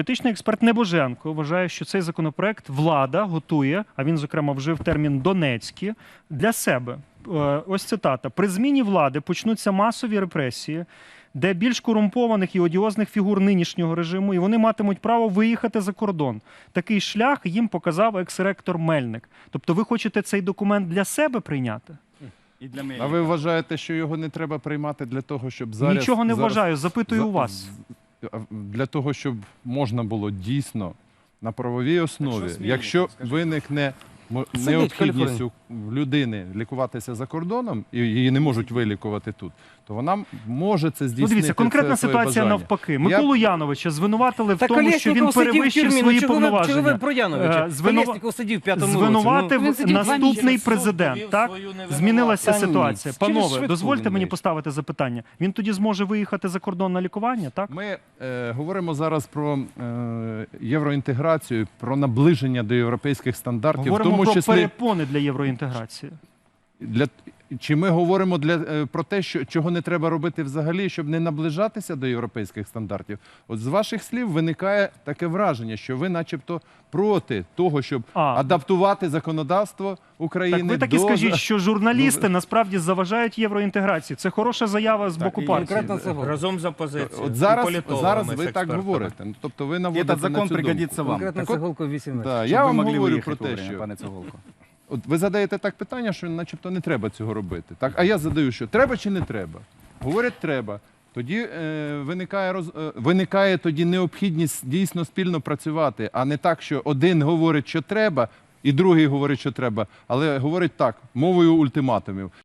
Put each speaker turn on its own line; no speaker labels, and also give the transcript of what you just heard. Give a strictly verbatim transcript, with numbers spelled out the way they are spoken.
Політичний експерт Небоженко вважає, що цей законопроект влада готує, а він, зокрема, вжив термін «донецькі», для себе. Ось цитата. «При зміні влади почнуться масові репресії, де більш корумпованих і одіозних фігур нинішнього режиму, і вони матимуть право виїхати за кордон. Такий шлях їм показав екс-ректор Мельник». Тобто ви хочете цей документ для себе прийняти?
І для мене.
А ви вважаєте, що його не треба приймати для того, щоб зараз...
Нічого не
зараз,
вважаю, запитую
за,
у вас.
Для того, щоб можна було дійсно на правовій основі,
змінюється,
якщо
скажіть?
виникне мо-
Сидить
необхідність
Каліфорнія.
у людини лікуватися за кордоном, і її не можуть вилікувати тут, то вона може це
Ну,
здійснити.
дивіться, конкретна
це своє
ситуація
бажання.
навпаки.
Я-
Миколу Яновича звинуватили в
Так
тому, що він
Колєсніков сидів в
перевищив
тюрмі,
свої
ну чого ви, чого ви
повноваження.
про Яновича?
Е, звинува-
Колєсніков сидів в п'ятому році.
Звинуватив
Він сидів два
наступний
місяці.
президент.
Суд
Так?
довів свою невинуватість.
Змінилася
Та ні,
ситуація.
через
Панове,
швидку
дозвольте
він
мені
вийде.
поставити запитання. Він тоді зможе виїхати за кордон на лікування, так?
Ми е, говоримо зараз про е, євроінтеграцію, про наближення до європейських стандартів,
Говоримо
в тому
про
числі
перепони для євроінтеграції.
для чи ми говоримо для е, про те, що чого не треба робити взагалі, щоб не наближатися до європейських стандартів. От з ваших слів виникає таке враження, що ви, начебто, проти того, щоб
А.
адаптувати законодавство України.
Так ви так і
до...
скажіть, що журналісти
до-
насправді заважають євроінтеграції. Це хороша заява з
Так,
боку
і
партії.
конкретно це було.
Разом з опозицією.
От зараз,
і політологами,
зараз
з
ви так
експертами.
говорите. Ну, тобто ви наводите
Этот закон
на цю думку.
пригодится вам.
Конкретно
Так от-
Цегулко вісім років.
Да,
Щоб
я
ви
вам
могли
говорю
виїхати
про те,
вовремя,
що
пане Цегулко.
от ви задаєте так питання, що начебто не треба цього робити. Так, а я задаю, що треба чи не треба? Говорять, треба. Тоді е, виникає роз, е, виникає тоді необхідність дійсно спільно працювати, а не так, що один говорить, що треба, і другий говорить, що треба, але говорить так, мовою ультиматумів.